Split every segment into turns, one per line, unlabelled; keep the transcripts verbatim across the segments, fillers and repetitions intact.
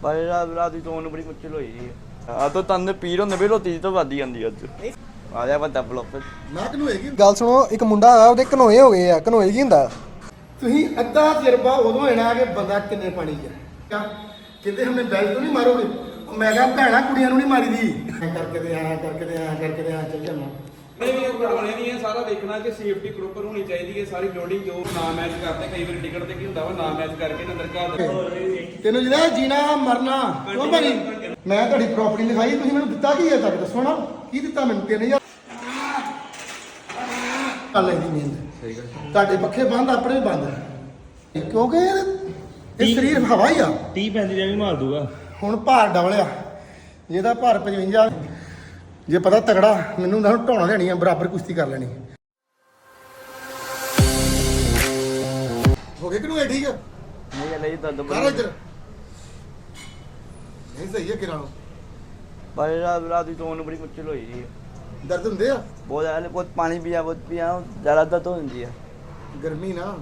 ਪਰ ਰਾਤ ਦੀ ਚੋਣ ਬੜੀ ਮੁਸ਼ਕਿਲ ਹੋਈ ਜੀ ਆ ਤਾਂ ਤੰਦ ਪੀਰ ਹੁੰਦੇ ਵੀ ਰੋਟੀ ਤੋਂ ਵੱਧ ਜਾਂਦੀ ਅੱਜ ਆ ਜਾ ਵੱਡਾ ਬਲੌਕ
ਮੈਂ ਕਿਹਨੂੰ ਹੈਗੀ ਗੱਲ ਸੁਣੋ। ਇੱਕ ਮੁੰਡਾ ਆ ਉਹਦੇ ਘਨੋਏ ਹੋ ਗਏ ਆ। ਘਨੋਏ ਕੀ ਹੁੰਦਾ? ਤੁਸੀਂ ਅੱਧਾ ਤਜਰਬਾ ਉਦੋਂ ਹੋਣਾ ਕਿ ਬੰਦਾ ਕਿੰਨੇ ਪਾਣੀ 'ਚ ਆ। ਕਹਿੰਦੇ ਹਮਨੇ ਬੈਲ ਤੋਂ ਨਹੀਂ ਮਾਰੋਗੇ। ਮੈਂ ਕਿਹਾ ਭੈਣਾ ਕੁੜੀਆਂ ਨੂੰ ਨਹੀਂ ਮਾਰੀਦੀ ਕਰਕੇ ਤੇ ਆਇਆ ਕਰਕੇ ਤੇ ਆਇਆ ਕਰਕੇ ਤੇ ਆਇਆ ਚੱਲ ਜਾਣਾ।
ਨਹੀਂ ਵੀ ਬਣਾਉਣੇ ਨਹੀਂ ਹੈ ਸਾਰਾ ਦੇਖਣਾ ਕਿ ਸੇਫਟੀ ਪ੍ਰੋਪਰ ਹੋਣੀ ਚਾਹੀਦੀ ਹੈ ਸਾਰੀ ਲੋਡਿੰਗ ਜੋ ਨਾ ਮੈਚ ਕਰਦੇ ਕਈ ਵਾਰੀ ਟਿਕਟ ਤੇ ਕੀ ਹੁੰਦਾ ਵਾ ਨਾ ਮੈਚ ਕਰਕੇ ਨਾ ਦਰਕਾਰ
ਤੈਨੂੰ ਜਿਹੜਾ ਜੀਣਾ ਮਰਨਾ ਕਿਉਂ ਭਾਜੀ ਮੈਂ ਤੁਹਾਡੀ ਪ੍ਰਾਪਰਟੀ ਲਿਖਾਈ ਤੁਸੀਂ ਮੈਨੂੰ ਦਿੱਤਾ ਕੀ ਹੈ ਤੱਕ ਦੱਸੋ ਨਾ ਕੀ ਦਿੱਤਾ ਮੈਨੂੰ ਤਿੰਨ ਹਜ਼ਾਰ ਕਰ ਲੈਂਦੀ ਨੀਂਦ ਸਹੀ ਗੱਲ ਤੁਹਾਡੇ ਪੱਖੇ ਬੰਦ ਆਪਣੇ ਬੰਦ ਕਿਉਂਕਿ ਇਹ ਸਰੀਰ ਹਵਾ ਹੀ ਆ
ਤੀਹ ਪੈਂਤੀ ਦਾ ਵੀ ਮਾਰ ਦੂਗਾ।
ਹੁਣ ਭਾਰ ਡਬਲਿਆ ਜਿਹਦਾ ਭਾਰ ਪਚਵੰਜਾ ਜੇ ਪਤਾ ਤਗੜਾ ਮੈਨੂੰ ਤਾਂ ਢਾਉਣਾ ਦੇਣੀ ਆ ਬਰਾਬਰ ਕੁਸ਼ਤੀ ਕਰ ਲੈਣੀ ਹੋ ਗਏ ਕਿ ਨੂੰ ਠੀਕ ਆ
ਨਹੀਂ ਲਈ ਦਰਦ
ਕਰ ਇੱਧਰ ਨਹੀਂ ਸਹੀ ਹੈ ਕਿਰਾਂ
ਪਰ ਰਾਤ ਦੀ ਚੋਣ ਬੜੀ ਮੁਸ਼ਕਿਲ ਹੋਈ ਜੀ
ਦਰਦ ਹੁੰਦੇ ਆ
ਬਹੁਤ ਜ਼ਿਆਦਾ ਬਹੁਤ ਪਾਣੀ ਪੀਆ ਬਹੁਤ ਪੀਆ ਜ਼ਿਆਦਾ ਦਰਦ ਹੋ ਜਾਂਦੀ ਹੈ
ਗਰਮੀ ਨਾ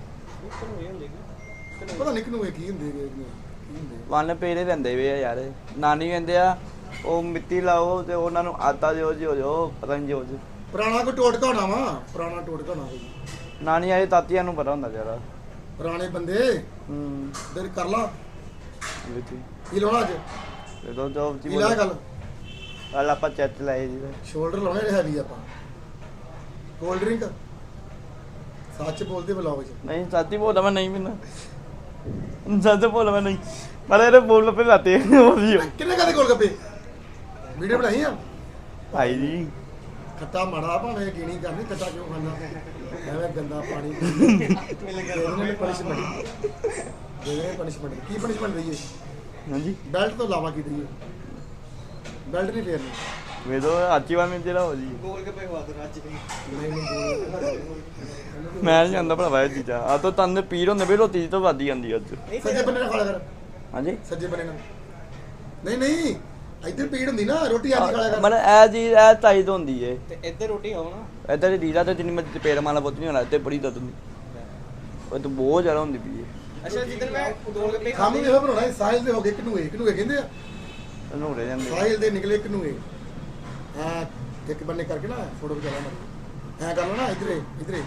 ਪਤਾ ਨਹੀਂ ਕਿਨੂੰ ਕੀ ਹੁੰਦੇ ਕੀ ਹੁੰਦੇ
ਵਨ ਪੇਰੇ ਰਹਿੰਦੇ ਵੇ ਆ ਯਾਰ ਨਾਨੀ ਕਹਿੰਦੇ ਆ ਉਹ ਮਿੱਟੀ ਲਾਓ ਤੇ ਉਹਨਾਂ ਨੂੰ ਆਤਾ ਦਿਓ ਜੀ ਹੋ ਜਾਓ ਪਤਾ ਨਹੀਂ ਜੋ
ਪੁਰਾਣਾ ਕੋਈ ਟੋਟਕਾ ਹੋਣਾ ਵਾ ਪੁਰਾਣਾ ਟੋਟਕਾ ਹੋਣਾ ਕੋਈ
ਨਾਨੀ ਆਏ ਤਾਤੀਆਂ ਨੂੰ ਪਤਾ ਹੁੰਦਾ ਜ਼ਿਆਦਾ
ਪੁਰਾਣੇ ਬੰਦੇ
ਹੂੰ
ਦਰ ਕਰ ਲਾ
ਵਿੱਚ
ਕੀ ਲਾਉਣਾ ਅੱਜ
ਇਹ ਤਾਂ ਜੋ
ਕੀ ਲਾ ਗੱਲ
ਕੱਲ ਆਪਾਂ ਚੈਟ ਲਾਏ ਜੀ
ਸ਼ੋਲਡਰ ਲਾਉਣੇ ਰਿਹਾ ਵੀ ਆਪਾਂ ਕੋਲਡ ਡਰਿੰਕ ਸੱਚ ਬੋਲਦੇ ਬਲੌਗ 'ਚ
ਨਹੀਂ ਸਾਥੀ ਬੋਲਦਾ ਮੈਂ ਨਹੀਂ ਪੀਣਾ ਸੱਚ ਬੋਲਦਾ ਮੈਂ ਨਹੀਂ ਪਰ ਇਹਦੇ ਬੋਲ ਪੇ ਲਾਤੇ ਉਹ ਵੀ
ਕਿੰਨੇ ਕਦੇ ਗੋਲ ਗੱਪੇ ਵੀਡੀਓ ਬਣਾਈ ਆ
ਭਾਈ ਜੀ
ਖੱਟਾ ਮਾੜਾ ਭਾਵੇਂ ਕੀਣੀ ਕਰਨੀ ਖੱਟਾ ਕਿਉਂ ਖਾਂਦਾ ਐਵੇਂ ਗੰਦਾ ਪਾਣੀ ਇਹਨੇ ਪਨਿਸ਼ਮੈਂਟ ਇਹਨੇ ਪਨਿਸ਼ਮੈਂਟ ਕੀ ਪਨਿਸ਼ਮੈਂਟ ਦਈਏ
ਹਾਂਜੀ
ਬੈਲਟ ਤੋਂ ਇਲਾਵਾ ਕੀ ਦਈਏ ਬੈਲਟ ਨਹੀਂ ਫੇਰਨੀ
ਵੇਦੋ ਆਚੀ ਵਾਰ ਮੇਰੇ ਜਿਹੜਾ ਹੋ ਜੀ
ਗੋਲ ਗੱਪੇ ਖਵਾ ਦੋ ਅੱਜ
ਨਹੀਂ ਨਹੀਂ
ਮੈਂ ਨਹੀਂ ਜਾਂਦਾ ਭਰਾਵਾ ਇਹ ਚੀਜ਼ਾਂ ਆ ਤਾਂ ਤੰਦ ਪੀਰ ਹੁੰਦੇ ਵੀ ਰੋਟੀ ਤੋਂ ਵੱਧ ਜਾਂਦੀ ਅੱਜ
ਸੱਜੇ ਬੰਨੇ ਨਾਲ ਖਾ ਲਿਆ ਕਰ
ਹਾਂਜੀ
ਸੱਜੇ ਬੰਨੇ ਨਾਲ ਨਹੀਂ ਨਹੀਂ ਇੱਧਰ ਪੀੜ ਹੁੰਦੀ ਨਾ ਰੋਟੀ ਆਦੀ ਖਾ ਲਿਆ ਕਰ
ਮਤਲਬ ਇਹ ਜੀ ਇਹ ਤਾਈ ਤੋਂ ਹੁੰਦੀ ਏ
ਤੇ ਇੱਧਰ ਰੋਟੀ ਖਾਓ ਨਾ
ਇੱਧਰ ਦੀ ਦੀਦਾ ਤੇ ਜਿੰਨੀ ਮਰਜ਼ੀ ਪੇੜ ਮਾਲਾ ਬੁੱਤ ਨਹੀਂ ਹੋਣਾ ਤੇ ਬੜੀ ਦਰਦ ਹੁੰਦੀ ਉਹ ਤਾਂ ਬਹੁਤ ਜ਼ਿਆਦਾ ਹੁੰਦੀ ਪਈ ਏ
ਅੱਛਾ ਜਿੱਦਣ ਮੈਂ ਗੋਲ ਗੱਪੇ
ਖਾਮੀ ਇਹੋ ਬਣਾਉਣਾ ਸਾਹਿਲ ਦੇ ਹੋ ਗਏ ਕਿਨੂਏ ਕਿਨੂਏ ਕਹਿੰਦੇ ਆ
ਉਹਨੂੰ ਰਹਿ ਜਾਂਦੇ
ਸਾਹਿਲ ਦੇ ਨਿਕਲੇ ਕਿਨੂਏ ਹਾਂ ਇੱਕ ਬੰਨੇ ਕਰਕੇ ਨਾ ਫੋਟੋ ਖਿਚਾ ਲਾ ਐ ਕਰ ਲਓ ਨਾ ਇਧਰੇ ਇਧਰੇ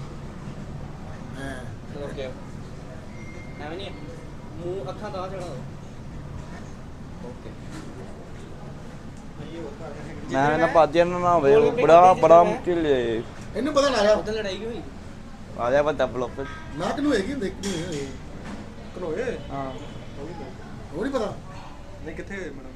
ਹਾਂ
ਓਕੇ ਐਵੇਂ ਨਹੀਂ ਮੂੰਹ ਅੱਖਾਂ ਦਾ ਚੜਾ ਓਕੇ
ਮੈਂ ਨਾ ਪਾਜਿਆ ਨਾ ਹੋਵੇ ਬੜਾ ਬੜਾ ਮੁਸ਼ਕਿਲ ਏ
ਇਹਨੂੰ ਪਤਾ ਨਾ ਆ
ਉਦੋਂ ਲੜਾਈ ਕਿਉਂ ਹੋਈ
ਆ ਜਾ ਵੱਡਾ ਬਲੌਕ
ਨਾ ਕਿਨੂਏ ਕੀ ਹੁੰਦੇ ਕਿਨੂਏ ਹੋਏ ਕਿਨੂਏ
ਹਾਂ
ਹੋਰ ਨਹੀਂ ਪਤਾ
ਨਹੀਂ ਕਿੱਥੇ ਹੋਏ ਮੈਡਮ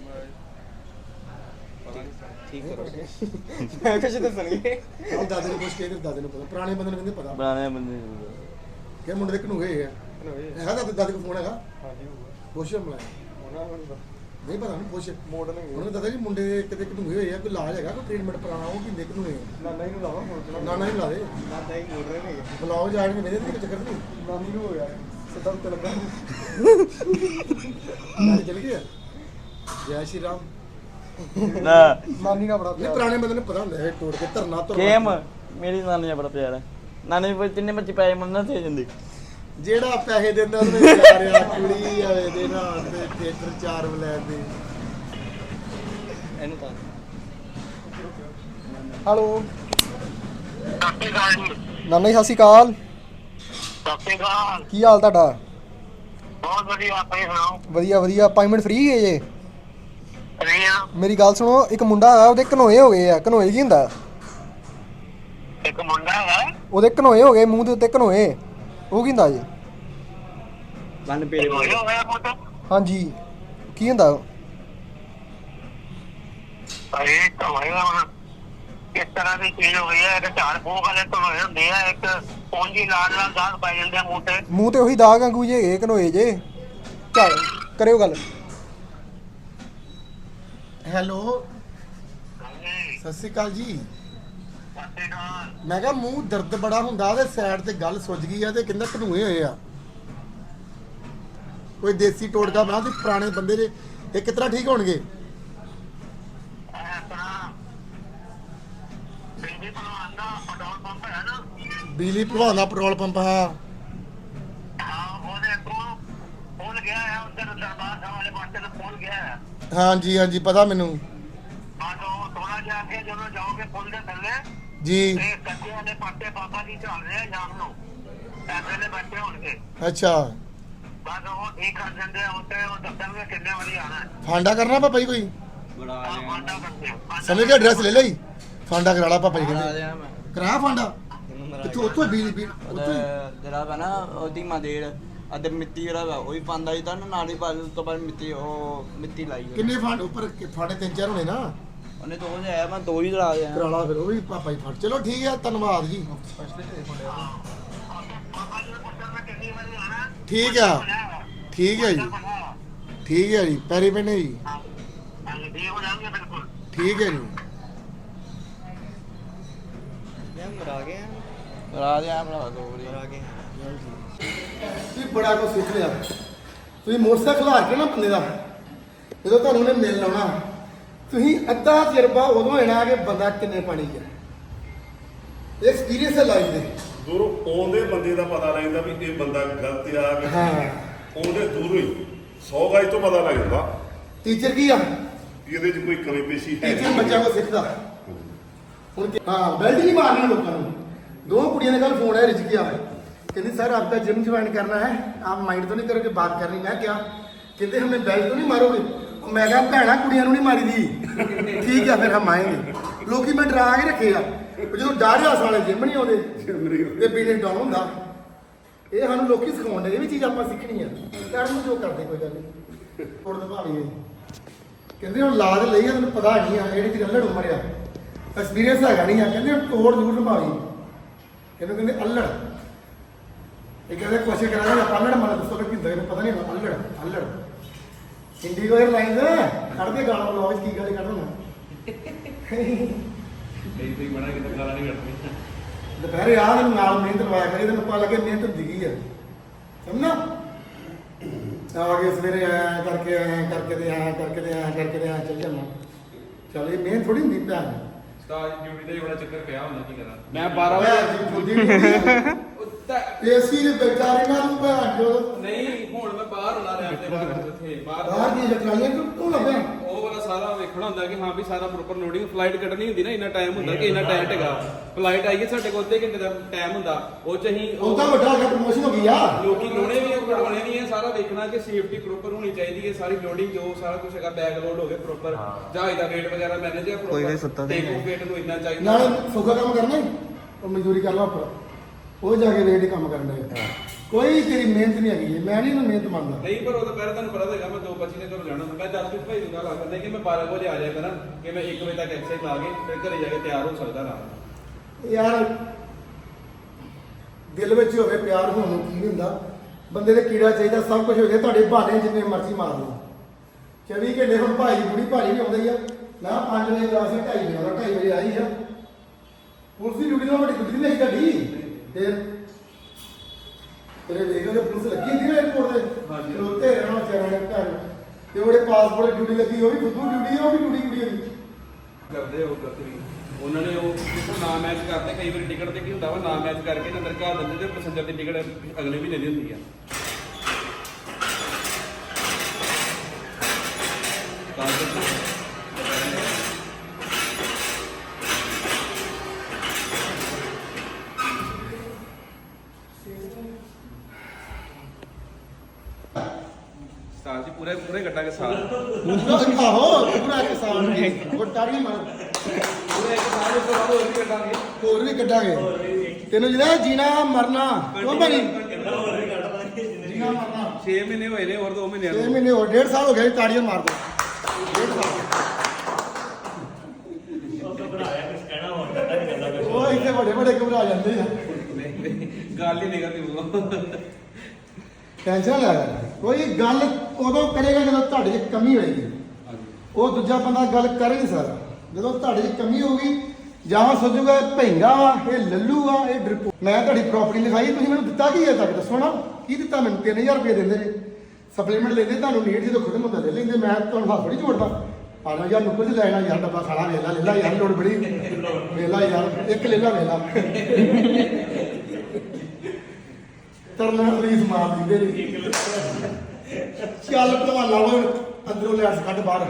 ਠੀਕ ਕਰੋ ਮੈਂ ਕੁਝ ਦੱਸਣਗੇ
ਉਹ ਦਾਦੇ ਨੂੰ ਪੁੱਛ ਕੇ ਇਹਦੇ ਦਾਦੇ ਨੂੰ ਪਤਾ ਪੁਰਾਣੇ ਬੰਦੇ ਨੂੰ ਕਹਿੰਦੇ ਪਤਾ
ਬਣਾਣੇ ਬੰਦੇ
ਕਿ ਮੁੰਡੇ ਦੇ ਕਿਨੂਏ ਆ ਹੈਗਾ ਦਾਦੇ ਦਾਦੇ ਕੋਲ ਫੋਨ ਹੈਗਾ
ਹਾਂਜੀ
ਪੁੱਛ ਮਲਾ
ਉਹਨਾਂ ਨੂੰ
ਨਹੀਂ ਪਤਾ ਨਹੀਂ ਪੁੱਛ
ਮੋੜ ਨਹੀਂ
ਉਹਨਾਂ ਨੇ ਦੱਸਿਆ ਜੀ ਮੁੰਡੇ ਦੇ ਕਿਤੇ ਕਿਨੂਏ ਹੋਏ ਆ ਕੋਈ ਇਲਾਜ ਹੈਗਾ ਕੋਈ ਟ੍ਰੀਟਮੈਂਟ ਪੁਰਾਣਾ ਉਹ ਕਿੰਨੇ ਕਿਨੂਏ
ਨਾਨਾ ਹੀ ਨੂੰ ਲਾਵਾ ਮੋੜ
ਨਾ ਨਾ ਹੀ ਲਾ ਦੇ
ਨਾਨਾ ਹੀ ਮੋੜ ਰਹੇ ਨੇ
ਬੁਲਾਓ ਜਾਣਗੇ ਮੇਰੇ ਤੇ ਚੱਕਰ ਨਹੀਂ
ਨਾਨੀ ਨੂੰ ਹੋ ਗਿਆ ਸਿੱਧਾ ਉੱਤੇ ਲੱਗਾ
ਨਾਲ ਚਲ ਗਿਆ ਜੈ ਸ਼੍ਰੀ ਰਾਮ
ਨਾ
ਨਾਨੀ ਦਾ ਬੜਾ
ਇਹ ਪੁਰਾਣੇ ਬੰਦੇ ਨੂੰ ਪਤਾ ਹੁੰਦਾ ਹੈ ਤੋੜ ਕੇ ਧਰਨਾ ਤੋਂ
ਗੇਮ ਮੇਰੀ ਨਾਨੀ ਦਾ ਬੜਾ ਪਿਆਰ ਹੈ ਨਾਨੀ ਵੀ ਤਿੰਨੇ ਬੱਚੇ ਪੈਸੇ ਮੰਨਣਾ ਤੇ ਜਾਂਦੇ
ਜਿਹੜਾ ਪੈਸੇ ਦਿੰਦਾ ਉਹਨੂੰ ਪਿਆਰ ਆ ਕੁੜੀ ਆਵੇ ਦੇ ਨਾਲ ਤੇ ਥੀਏਟਰ ਚਾਰ ਬਲੈਕ ਦੇ
ਇਹਨੂੰ ਤਾਂ
ਹੈਲੋ ਨਾਨਾ ਜੀ ਸਤਿ ਸ਼੍ਰੀ ਅਕਾਲ
ਸਤਿ ਸ਼੍ਰੀ ਅਕਾਲ
ਕੀ ਹਾਲ ਤੁਹਾਡਾ
ਬਹੁਤ ਵਧੀਆ ਆਪਣੀ ਸੁਣਾਓ
ਵਧੀਆ ਵਧੀਆ ਪੰਜ ਮਿੰਟ ਫ੍ਰੀ ਹੈ ਜੇ
ਰੀਆ
ਮੇਰੀ ਗੱਲ ਸੁਣੋ ਇੱਕ ਮੁੰਡਾ ਆ ਉਹਦੇ ਘਨੋਏ ਹੋ ਗਏ ਆ ਘਨੋਏ ਕੀ ਹੁੰਦਾ
ਇੱਕ ਮੁੰਡਾ ਹੈ
ਉਹਦੇ ਘਨੋਏ ਹੋ ਗਏ ਮੂੰਹ ਦੇ ਉੱਤੇ ਘਨੋਏ ਉਹ ਕੀ ਹੁੰਦਾ ਜੀ
ਵਨ ਪੇਰੇ
ਹੋਇਆ ਹੋਇਆ ਪੁੱਤ
ਹਾਂਜੀ ਕੀ ਹੁੰਦਾ
ਅਰੇ ਤਾਂ ਹੋਇਆ ਹੁਣ ਕਿਸ ਤਰ੍ਹਾਂ ਦੀ ਚੀਜ਼ ਹੋ ਗਈ ਹੈ ਇੱਕ ਝਾੜ ਫੂਕ ਵਾਲੇ ਤੋਂ ਹੋਏ ਹੁੰਦੇ ਆ ਇੱਕ ਪੌਂਜੀ ਲਾਲ ਲਾਲ ਦਾਗ ਪੈ ਜਾਂਦੇ ਆ ਮੂੰਹ ਤੇ
ਮੂੰਹ ਤੇ ਉਹੀ ਦਾਗ ਵਾਂਗੂ ਜੇ ਹੈਗੇ ਘਨੋਏ ਜੇ ਚੱਲ ਕਰਿਓ ਗੱਲ ਹੈਲੋ
ਹਾਂਜੀ
ਸਤਿ ਸ਼੍ਰੀ ਅਕਾਲ ਜੀ
ਸਤਿ ਸ਼੍ਰੀ ਅਕਾਲ
ਮੈਂ ਕਿਹਾ ਮੂੰਹ ਦਰਦ ਬੜਾ ਹੁੰਦਾ ਤੇ ਸਾਈਡ ਤੇ ਗੱਲ ਸੁੱਜ ਗਈ ਆ ਤੇ ਕਹਿੰਦਾ ਘਨੂਏ ਹੋਏ ਆ ਕੋਈ ਦੇਸੀ ਟੋਟਕਾ ਬਣਾ ਤੇ ਪੁਰਾਣੇ ਬੰਦੇ ਦੇ ਇਹ ਕਿਤਨਾ ਠੀਕ ਹੋਣਗੇ
ਇਹ ਤਰ੍ਹਾਂ ਬਿਜਲੀ ਭਲਵਾਨ ਦਾ ਪੈਟਰੋਲ ਪੰਪ ਹੈ ਨਾ
ਬਿਜਲੀ ਭਲਵਾਨ ਦਾ ਪੈਟਰੋਲ ਪੰਪ ਹਾਂ
ਹਾਂ ਉਹਦੇ ਕੋਲ ਖੁੱਲ ਗਿਆ ਹੈ ਉੱਧਰ ਦਰਬਾਰ ਸਾਹਿਬ ਵਾਲੇ ਪਾਸੇ ਹੈ।
ਹਾਂਜੀ ਹਾਂਜੀ ਪਤਾ ਮੈਨੂੰ
ਆ ਤੋਂ ਥੋੜਾ ਜਿਹਾ ਅੱਗੇ ਜਦੋਂ ਜਾਓਗੇ ਪੁੱਲ ਦੇ ਥੱਲੇ
ਜੀ।
ਤੇ ਕੱਚੇ ਵਾਲੇ ਪਾਟੇ ਬਾਬਾ ਜੀ ਚੱਲ ਰਹੇ ਆ ਸ਼ਾਮ ਨੂੰ ਐਸੇ ਨੇ ਬੈਠੇ ਹੋਣਗੇ।
ਅੱਛਾ
ਬਸ ਉਹ ਠੀਕ ਕਰ ਦਿੰਦੇ ਆ ਉੱਤੇ ਉਹ ਦੱਸਣਗੇ ਕਿੰਨੇ ਵਜੇ ਆਣਾ ਹੈ।
ਫਾਂਡਾ ਕਰਨਾ ਪਾਪਾ ਜੀ ਕੋਈ
ਬੜਾ ਆ
ਆਹ
ਰਿਹਾ
ਫਾਂਡਾ ਕਰਦੇ ਆ, ਫਾਂਡਾ
ਸਮਝ ਗਿਆ ਐਡਰੈਸ ਲੈ ਲਈ ਫਾਂਡਾ ਕਰਾ ਲਾ ਪਾਪਾ ਜੀ
ਬੜਾ ਆ
ਕਹਿੰਦੇ
ਰਿਹਾ ਮੈਂ
ਕਰਾ ਫਾਂਡਾ ਕਿੱਥੋਂ ਉੱਥੋਂ ਬੀਜ ਬੀਜ
ਉਹਦਾ ਜਿਹੜਾ ਵਾ ਨਾ ਉਹਦੀ ਮਾਦੇੜ ਅਤੇ ਮਿੱਟੀ ਜਿਹੜਾ ਵਾ ਉਹ ਵੀ ਪਾਉਂਦਾ ਸੀ ਤਾਂ ਨਾਲ ਹੀ ਬਾਅਦ ਉਸ ਤੋਂ ਬਾਅਦ ਮਿੱਟੀ ਉਹ ਮਿੱਟੀ ਲਾਈ ਉਹਨੇ।
ਕਿੰਨੇ ਫਾਂਡ ਉੱਪਰ ਕਿ- ਫਾਂਡੇ ਤਿੰਨ ਚਾਰ ਹੋਣੇ ਨਾ
ਉਹਨੇ ਦੋ ਜਿਹਾ ਮੈਂ ਦੋ ਹੀ ਲਾ ਦਿਆ
ਕਰਾ ਲਾ ਫਿਰ ਉਹ ਵੀ ਪਾਪਾ ਜੀ ਫੜ ਚਲੋ ਠੀਕ ਹੈ ਧੰਨਵਾਦ ਜੀ
ਬਾਬਾ ਜੀ ਨੂੰ ਪੁੱਛਣਾ ਕਿੰਨੇ ਵਜੇ ਆਣਾ ਹੈ।
ਠੀਕ ਆ ਠੀਕ ਹੈ ਜੀ ਠੀਕ ਹੈ ਜੀ ਪੈਰੀ ਪੈਣੇ ਜੀ
ਹਾਂ ਹਾਂਜੀ ਠੀਕ ਹੋ ਜਾਣਗੇ ਬਿਲਕੁਲ।
ਠੀਕ ਹੈ ਜੀ
ਮਰਾ ਗਏ ਮਰਾ ਦਿਆ ਭਰਾ ਦੋ ਵਾਰੀ ਮਰਾ ਗਏ
ਤੁਸੀਂ ਬੜਾ ਕੁਝ ਸਿੱਖ ਲਿਆ ਤੁਸੀਂ ਮੋਟਰਸਾਈਕਲ ਹਾਰ ਕੇ ਨਾ ਬੰਦੇ ਦਾ ਜਦੋਂ ਤੁਹਾਨੂੰ ਉਹਨੇ ਮਿਲ ਲਾਉਣਾ ਤੁਸੀਂ ਅੱਧਾ ਤਜਰਬਾ ਉਦੋਂ ਹੋਣਾ ਕਿ ਬੰਦਾ ਕਿੰਨੇ ਪਾਣੀ 'ਚ ਹੈ। ਐਕਸਪੀਰੀਅੰਸ ਹੈ ਲਾਈਫ ਦੇ।
ਦੂਰੋਂ ਆਉਂਦੇ ਬੰਦੇ ਦਾ ਪਤਾ ਲੱਗਦਾ ਵੀ ਇਹ ਬੰਦਾ ਗਲਤ ਆ ਕਿ
ਹਾਂ
ਉਹਦੇ ਦੂਰੋਂ ਹੀ ਸੌ ਗਾਜ ਤੋਂ ਪਤਾ ਲੱਗ ਜਾਂਦਾ
ਟੀਚਰ ਕੀ ਆ
ਕਿ ਇਹਦੇ 'ਚ ਕੋਈ ਕਮੀ ਪੇਸ਼ੀ ਹੈ
ਟੀਚਰ ਬੱਚਾ ਕੋ ਸਿੱਖਦਾ ਹੁਣ ਕਿ- ਹਾਂ ਬੈਲਟ ਨਹੀਂ ਮਾਰਨਾ ਲੋਕਾਂ ਨੂੰ। ਦੋ ਕੁੜੀਆਂ ने कल फोन है रिजकी आ कहती सर आपका जिम ज्वाइन करना है आप माइंड तो नहीं करोगे बात करनी। मैं क्या कहते हमें बेल्ट तो नहीं मारोगे। और मैं कहा भैना कुड़ियां नहीं मारी दी ठीक है फिर हम आएंगे। लोग मैं डरा के रखे आ जो डर हास वाले जिम नहीं आते बिने डाउन होंगे ये सानू लोग सिखाने ये भी चीज़ आप सीखनी है कर जो करते कोई गल नहीं थोड़ा दबावी कहते हम ला तो ली तेन पता नहीं है जी अल्लड़ उमर आ एक्सपीरियंस है नहीं है कहते तोड़ जरूर निभावी ਇਹਨੂੰ ਕਹਿੰਦੇ ਅਲੜ ਇਹ ਕਹਿੰਦੇ ਕੁਐਸਚਨ ਕਰਾਂਗੇ ਆਪਾਂ ਅਲੜ ਮਨ ਦੱਸੋ ਕਿ ਕਿੰਦਾ ਪਤਾ ਨਹੀਂ ਅਲੜ ਅਲੜ ਹਿੰਦੀ ਕੋਈ ਲਾਈਨ ਕੱਢਦੇ ਗਾਣਾ ਬਲੌਗ ਕੀ ਗਾਲੇ ਕੱਢ ਰਹਾ
ਨਹੀਂ ਤੁਸੀਂ ਬਣਾ ਕੇ ਤਾਂ ਗਾਲਾਂ ਨਹੀਂ ਕੱਢਣੀ।
ਦੁਪਹਿਰੇ ਆ ਤੈਨੂੰ ਨਾਲ ਮਿਹਨਤ ਲਵਾਇਆ ਕਰੀ ਤੈਨੂੰ ਪਤਾ ਲੱਗੇ ਮਿਹਨਤ ਹੁੰਦੀ ਕੀ ਆ ਸਮਝਣਾ ਆ ਕੇ ਸਵੇਰੇ ਆਇਆ ਕਰਕੇ ਆਇਆ ਕਰਕੇ ਤੇ ਆਇਆ ਕਰਕੇ ਤੇ ਆਇਆ ਕਰਕੇ ਤੇ ਆਇਆ ਚੱਲ ਜਾਣਾ ਚੱਲ ਇਹ ਮਿਹਨਤ ਥੋੜੀ ਹੁੰਦੀ ਭੈਣ
ਉਸਤਾਦ ਡਿਊਟੀ ਦਾ ਹੀ ਬੜਾ ਚੱਕਰ ਪਿਆ ਹੁੰਦਾ ਕੀ ਕਰਾਂ ਮੈਂ ਬਾਰਾਂ ਵਜੇ
ਵਜੇ
ਉਹ ਤਾਂ-
ਏਸੀ ਦੇ ਬੇਚਾਰੇ ਨਾਲ ਨੂੰ ਭੈਣ ਜੋ
ਨਹੀਂ ਹੁਣ ਮੈਂ ਬਾਹਰ ਹੋਣਾ ਰਹਿ ਤੇ ਬਾਹਰ ਉੱਥੇ ਬਾਹਰ
ਬਾਹਰ ਦੀਆਂ ਜਟਾਈਆਂ ਤੂੰ ਤੂੰ ਲੱਭਿਆ
ਉਹ ਵਾਲਾ ਸਾਰਾ ਵੇਖਣਾ ਹੁੰਦਾ ਕਿ ਹਾਂ ਵੀ ਸਾਰਾ ਪ੍ਰੋਪਰ ਲੋਡਿੰਗ ਫਲਾਈਟ ਕੱਢਣੀ ਹੁੰਦੀ ਨਾ ਇੰਨਾ ਟਾਈਮ ਹੁੰਦਾ ਕਿ ਇੰਨਾ ਟਾਈਮ ਹੈਗਾ ਫਲਾਈਟ ਆਈਏ ਸਾਡੇ ਕੋਲ ਅੱਧੇ ਘੰਟੇ ਦਾ ਟਾਈਮ ਹੁੰਦਾ ਉਹ ਚ ਅਸੀਂ
ਉਹ ਤਾਂ ਵੱਡਾ ਅੱਗੇ ਪ੍ਰਮੋਸ਼ਨ ਹੋ ਗਈ ਆ
ਲੋਕੀ ਲੋੜੇ ਵੀ ਕਢਾਉਣੇ ਵੀ ਹੈ ਸਾਰਾ ਵੇਖਣਾ ਕਿ ਸੇਫਟੀ ਪ੍ਰੋਪਰ ਹੋਣੀ ਚਾਹੀਦੀ ਹੈ ਸਾਰੀ ਲੋਡਿੰਗ ਜੋ ਸਾਰਾ ਕੁਝ ਹੈਗਾ ਬੈਗ ਲੋਡ ਹੋਵੇ ਪ੍ਰੋਪਰ ਜਹਾਜ਼ ਦਾ weight ਵਗੈਰਾ ਮੈਨੇਜ ਹੈ
ਕੋਈ ਵੀ ਸੁੱਤਾ ਨਹੀਂ
ਟੇਕ weight ਨੂੰ ਇੰਨਾ ਚਾਹੀਦਾ
ਨਾਲ ਸੌਖਾ ਕੰਮ ਕਰਨਾ ਹੀ ਉਹ ਮਜ਼ਦੂਰੀ ਕਰ ਲਾ ਉੱਪਰ ਉਹ ਜਾ ਕੇ ਰੇਟ ਕੰਮ ਕਰਨ ਦੇ ਕੋਈ ਤੇਰੀ ਮਿਹਨਤ ਨਹੀਂ ਹੈਗੀ ਮੈਂ ਨਹੀਂ ਇਹਨੂੰ ਮਿਹਨਤ ਮੰਨਦਾ
ਨਹੀਂ ਪਰ ਉਹ ਤਾਂ ਪਹਿਲਾਂ ਤੁਹਾਨੂੰ ਪਤਾ ਹੈਗਾ ਮੈਂ ਦੋ ਪੱਚੀ ਦੇ ਘਰੋਂ ਜਾਣਾ ਹੁੰਦਾ ਮੈਂ ਜਸਪ੍ਰੀਤ ਭਾਈ ਨੂੰ ਗੱਲ ਆਖਦਾ ਕਿ ਮੈਂ ਬਾਰਾਂ ਵਜੇ ਆ ਜਾਇਆ ਕਰਾਂ ਕਿ ਮੈਂ ਇੱਕ ਵਜੇ ਤੱਕ ਐਕਸਰਸਾਈਜ਼ ਲਾ ਕੇ ਫਿਰ ਘਰੇ ਜਾ ਕੇ ਤਿਆਰ ਹੋ ਸਕਦਾ ਨਾ
ਯਾਰ ਦਿਲ ਵਿੱਚ ਹੋਵੇ ਪਿਆਰ ਹੋਣ ਨੂੰ ਕੀ ਨਹੀਂ ਹੁੰਦਾ ਬੰਦੇ ਦੇ ਕੀੜਾ ਚਾਹੀਦਾ ਸਭ ਕੁਝ ਹੋ ਗਿਆ ਤੁਹਾਡੇ ਬਹਾਨੇ ਜਿੰਨੇ ਮਰਜ਼ੀ ਮਾਰ ਲਓ ਚੌਵੀ ਘੰਟੇ ਹੁਣ ਭਾਈ ਦੀ ਬੁੜੀ ਭਾਈ ਵੀ ਆਉਂਦਾ ਹੀ ਆ ਨਾ ਪੰਜ ਵਜੇ ਕਲਾਸ ਹੈ ਢਾਈ ਵਜੇ ਆਉਂਦਾ ਢਾਈ ਵਜੇ ਆਈ ਆ ਪੁਲਿਸ ਦੀ ਡਿਊਟੀ ਨਾਲ ਵੱਡੀ ਡਿਊਟੀ ਨਹੀਂ ਗੱਡੀ ਫਿਰ ਤੇਰੇ ਵੇਖੋ ਤੇ ਪੁਲਿਸ ਲੱਗੀ ਹੁੰਦੀ ਨਾ 에어ਪੋਰਟ ਤੇ
ਹਾਂਜੀ।
ਖਲੋਤੇ ਰਹਿਣਾ ਵਿਚਾਰਿਆਂ ਨੇ ਘਰ ਤੇ ਉਹਦੇ ਪਾਸਪੋਰਟ ਡਿਊਟੀ ਲੱਗੀ ਉਹ ਵੀ ਫੁੱਦੂ ਡਿਊਟੀ ਆ ਉਹ ਵੀ ਡਿਊਟੀ ਕੁੜੀ ਉਹਦੀ
ਕਰਦੇ ਹੋ ਕਰਦੇ ਵੀ ਉਹਨਾਂ ਨੇ ਉਹ ਜਿੱਥੋਂ ਨਾ ਮੈਚ ਕਰਦੇ ਕਈ ਵਾਰੀ ਟਿਕਟ ਤੇ ਕੀ ਹੁੰਦਾ ਵਾ ਨਾ ਮੈਚ ਕਰਕੇ ਨਾ ਅੰਦਰ ਘਾ ਦਿੰਦੇ ਤੇ ਪੈਸੇਂਜਰ ਦੀ ਟਿਕਟ ਅਗਲੇ ਮਹੀਨੇ ਦੀ ਹੁੰਦੀ ਆ ਤਾਂ ਕਰਕੇ ਸਾਲ ਜੀ ਪੂਰੇ ਪੂਰੇ ਕੱਟਾਂਗੇ ਸਾਲ
ਆਹੋ ਪੂਰਾ ਕਿਸਾਨ ਵਟਾਰੀ ਮਾਰ
ਪੂਰੇ ਇੱਕ ਸਾਲ ਉਸ ਤੋਂ ਬਾਅਦ ਹੋਰ ਵੀ ਕੱਟਾਂਗੇ
ਹੋਰ ਵੀ ਕੱਢਾਂਗੇ ਤੈਨੂੰ ਜਿਹੜਾ ਜੀਣਾ ਮਰਨਾ ਕਿਉਂ ਬਣੀ ਜੀਣਾ ਮਰਨਾ
ਛੇ ਮਹੀਨੇ ਹੋਏ ਨੇ ਹੋਰ ਦੋ ਮਹੀਨੇ
ਛੇ ਮਹੀਨੇ ਹੋਰ ਡੇਢ ਸਾਲ ਹੋ ਗਿਆ ਜੀ, ਤਾੜੀਆਂ ਮਾਰ ਦੋ ਡੇਢ ਸਾਲ ਉਹ ਇੱਥੇ ਵੱਡੇ ਵੱਡੇ ਘਬਰਾ ਜਾਂਦੇ ਆ
ਗੱਲ ਹੀ ਨਿਕਲਦੀ
ਟੈਨਸ਼ਨ ਲੈ ਕੋਈ ਗੱਲ ਉਦੋਂ ਕਰੇਗਾ ਜਦੋਂ ਤੁਹਾਡੇ 'ਚ ਕਮੀ ਹੋਏਗੀ ਉਹ ਦੂਜਾ ਬੰਦਾ ਗੱਲ ਕਰ ਹੀ ਨਹੀਂ ਸਕਦਾ ਜਦੋਂ ਤੁਹਾਡੇ 'ਚ ਕਮੀ ਹੋਊਗੀ ਜਾਂ ਸੋਚੂਗਾ ਭੈਂਗਾ ਵਾ ਇਹ ਲੱਲੂ ਆ ਇਹ ਡਰਿਪੋ ਮੈਂ ਤੁਹਾਡੀ ਪ੍ਰਾਪਰਟੀ ਲਿਖਾਈ ਤੁਸੀਂ ਮੈਨੂੰ ਦਿੱਤਾ ਕੀ ਹੈ ਤੱਕ ਦੱਸੋ ਨਾ ਕੀ ਦਿੱਤਾ ਮੈਨੂੰ ਤਿੰਨ ਹਜ਼ਾਰ ਰੁਪਏ ਦਿੰਦੇ ਨੇ ਸਪਲੀਮੈਂਟ ਲੈਂਦੇ ਤੁਹਾਨੂੰ ਨੀਡ ਜਦੋਂ ਖੁਦ ਮੁੰਡਾ ਲੈ ਲੈਂਦੇ ਮੈਂ ਤੁਹਾਨੂੰ ਹੱਥ ਥੋੜੀ ਜੋੜਦਾ ਆਣਾ ਯਾਰ ਨੁੱਕਰ 'ਚ ਲੈਣਾ ਯਾਰ ਡੱਬਾ ਖਾਣਾ ਵੇਲਾ ਲੈ ਲਾ ਯਾਰ ਲੋੜ ਬੜੀ ਵੇਲਾ ਯਾਰ ਇੱਕ ਲੈ ਲਾ ਵੇਲਾ ਤਰਨਾ ਰੀਸ ਮਾਰ ਦਿੰਦੇ ਨੇ ਚੱਲ ਭਲਵਾਨਾ ਵਾ ਅੰਦਰੋਂ ਲਿਆ ਕੱਢ ਬਾਹਰ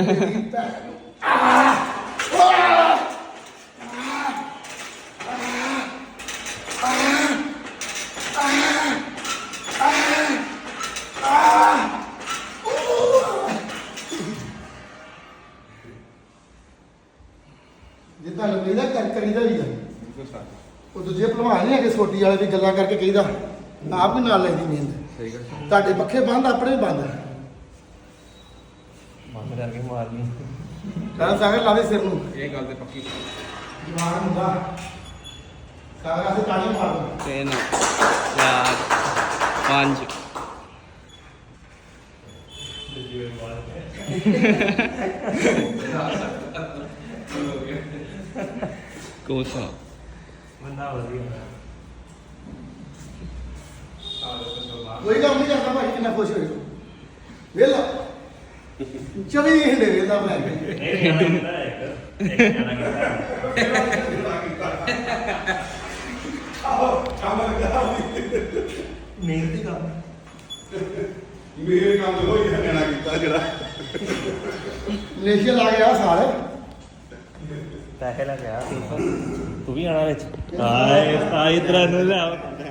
ਜੇ ਤੁਹਾਨੂੰ ਕਹੀਦਾ ਕਰ ਕਰੀਦਾ ਵੀ ਆ ਉਹ ਦੂਜੇ ਭਲਵਾਨ ਨਹੀਂ ਹੈਗੇ ਸੋਟੀ ਵਾਲੇ ਵੀ ਗੱਲਾਂ ਕਰਕੇ ਕਹੀਦਾ ਆਪ ਵੀ ਨਾਲ ਲੈਂਦੀ ਮਿਹਨਤ
ਸਹੀ ਗੱਲ
ਤੁਹਾਡੇ ਪੱਖੇ ਬੰਦ ਆਪਣੇ ਵੀ ਬੰਦ
ਬੰਦ ਕਰਕੇ ਮਾਰਨੀ
ਕਹਿੰਦਾ ਸਾਗਰ ਲਾ ਦੇ ਸਿਰ ਨੂੰ
ਇਹ ਗੱਲ ਤੇ ਪੱਕੀ
ਜਵਾਨ ਹੁੰਦਾ ਸਾਗਰ ਆਸੇ ਤਾੜੀ ਮਾਰ ਦੋ
ਤਿੰਨ ਚਾਰ ਪੰਜ ਕੋਸਾ
ਬੰਦਾ ਵਧੀਆ
ਕੋਈ ਕੰਮ ਨਹੀਂ ਕਰਦਾ ਭਾਈ ਕਿੰਨਾ ਖੁਸ਼ ਹੋਏ ਵੇਲਾ ਚੌਵੀ ਘੰਟੇ ਵੇਲਾ ਬਣਾ ਕੇ
ਇਹ ਗਾਣਾ ਕਿਹਦਾ ਇੱਕ ਇੱਕ ਗਾਣਾ ਕਿਹਦਾ ਮਿਹਨਤੀ ਕੰਮ
ਮੇਰੇ ਕੰਮ ਹੋਈ ਜਾਣਾ ਕੀਤਾ ਜਿਹੜਾ
ਮਲੇਸ਼ੀਆ ਲਾ ਗਿਆ ਸਾਲ
ਪੈਸੇ ਲੈ ਗਿਆ ਤੂੰ ਵੀ ਆਣਾ ਵਿੱਚ ਆਏ ਆ ਇਧਰ ਨੂੰ ਲੈ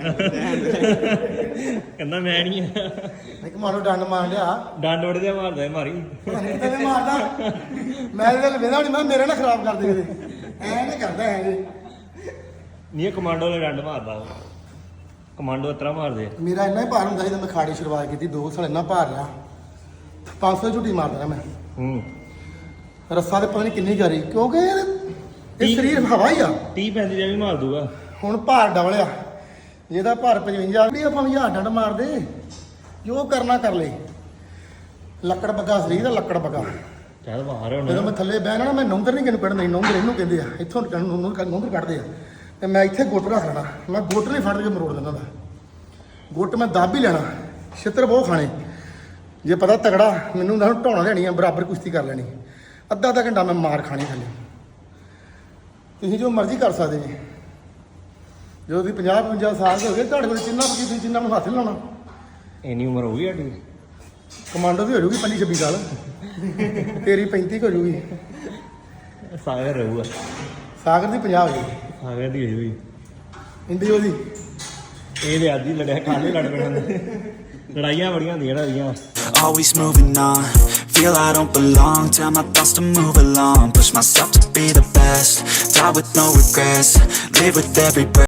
ਕਹਿੰਦਾ ਮੈਂ ਨਹੀਂ ਆ
ਇੱਕ ਮਾਰੋ ਡੰਡ ਮਾਰ ਲਿਆ
ਡੰਡ ਵੜ ਦੇ ਮਾਰਦਾ ਮਾਰੀ
ਤੈਨੂੰ ਮਾਰਦਾ ਮੈਂ ਇਹਦੇ ਨਾਲ ਵੇਦਾ ਨਹੀਂ ਮੈਂ ਮੇਰੇ ਨਾਲ ਖਰਾਬ ਕਰ ਦੇ ਕਿਤੇ ਐ ਨਾ ਕਰਦਾ ਹੈ ਜੀ
ਨਹੀਂ ਕਮਾਂਡੋ ਨੇ ਡੰਡ ਮਾਰਦਾ ਉਹ ਕਮਾਂਡੋ ਇਤਰਾ ਮਾਰਦੇ
ਮੇਰਾ ਇੰਨਾ ਹੀ ਭਾਰ ਹੁੰਦਾ ਸੀ ਜਦੋਂ ਮੈਂ ਖਾੜੀ ਸ਼ੁਰੂਆਤ ਕੀਤੀ ਦੋ ਸਾਲ ਇੰਨਾ ਭਾਰ ਰਿਹਾ ਪੰਜ ਸੌ ਝੂਟੀ ਮਾਰ ਦੇਣਾ ਮੈਂ
ਹੂੰ
ਰੱਸਾ ਤੇ ਪਤਾ ਨਹੀਂ ਕਿੰਨੀ ਕਰੀ ਕਿਉਂਕਿ ਯਾਰ ਇਹ ਸਰੀਰ ਹਵਾ ਹੀ ਆ
ਤੀਹ ਪੈਂਤੀ ਦਾ ਵੀ ਮਾਰ ਦੂਗਾ
ਹੁਣ ਭਾਰ ਡਬਲਿਆ ਜਿਹਦਾ ਭਾਰ ਪਚਵੰਜਾ ਵੀ ਆਪਾਂ ਹਜ਼ਾਰ ਡੰਡ ਮਾਰਦੇ ਜੋ ਕਰਨਾ ਕਰ ਲੈ ਲੱਕੜ ਬੱਗਾ ਸਰੀਰ ਦਾ ਲੱਕੜ ਬੱਗਾ
ਚੱਲ ਬਾਹਰ
ਜਦੋਂ
ਹੁਣ
ਮੈਂ ਥੱਲੇ ਬਹਿਣਾ ਨਾ ਮੈਂ ਨੌਂਦਰ ਨਹੀਂ ਕਿਨੂੰ ਕੱਢਣਾ ਨੌਂਦਰ ਇਹਨੂੰ ਕਹਿੰਦੇ ਆ ਇੱਥੋਂ ਨੌਂਦਰ ਕੱਢਦੇ ਆ ਤੇ ਮੈਂ ਇੱਥੇ ਗੁੱਟ ਰੱਖ ਲੈਣਾ ਮੈਂ ਗੁੱਟ ਨਹੀਂ ਫੜ ਕੇ ਮਰੋੜ ਦਿੰਦਾ ਦਾ ਗੁੱਟ ਮੈਂ ਦੱਬ ਹੀ ਲੈਣਾ ਛਿੱਤਰ ਬਹੁਤ ਖਾਣੇ ਜੇ ਪਤਾ ਤਗੜਾ ਮੈਨੂੰ ਤਾਂ ਢਾਉਣਾ ਲੈਣੀ ਆ ਬਰਾਬਰ ਕੁਸ਼ਤੀ ਕਰ ਲੈਣੀ ਅੱਧਾ ਅੱਧਾ ਘੰਟਾ ਮੈਂ ਮਾਰ ਖਾਣੀ ਥੱਲੇ ਤੁਸੀਂ ਜੋ ਮਰਜ਼ੀ ਕਰ ਸਕਦੇ ਜੀ ਜਦੋਂ ਤੁਸੀਂ ਪੰਜਾਹ ਪੰਜਾਹ ਸਾਲ ਦੇ ਹੋ ਗਏ ਤੁਹਾਡੇ ਕੋਲ ਚਿੰਨਾ ਪਕੀ ਤੁਸੀਂ ਚਿੰਨਾ ਨੂੰ ਹੱਥ ਲਾਉਣਾ
ਇੰਨੀ ਉਮਰ ਹੋ ਗਈ ਸਾਡੀ
ਕਮਾਂਡੋ ਦੀ ਹੋ ਜੂਗੀ ਪੰਜੀ ਛੱਬੀ ਸਾਲ ਤੇਰੀ ਪੈਂਤੀ ਹੋ ਜੂਗੀ
ਸਾਗਰ ਰਹੂਗਾ
ਸਾਗਰ ਦੀ ਪੰਜਾਹ ਹੋ ਜੂਗੀ
ਸਾਗਰ ਦੀ ਹੋਈ
ਇੰਡੀ ਉਹਦੀ
ਇਹ ਤੇ ਅੱਜ ਹੀ ਲੜਿਆ ਕੱਲ ਹੀ ਲੜ ਪੈਣਾ ਲੜਾਈਆਂ ਬੜੀਆਂ ਹੁੰਦੀਆਂ ਨਾ ਇਹਦੀਆਂ
Always moving on, feel I don't belong. Tell my thoughts to move along, push myself to be the best. Die with no regrets, live with every breath.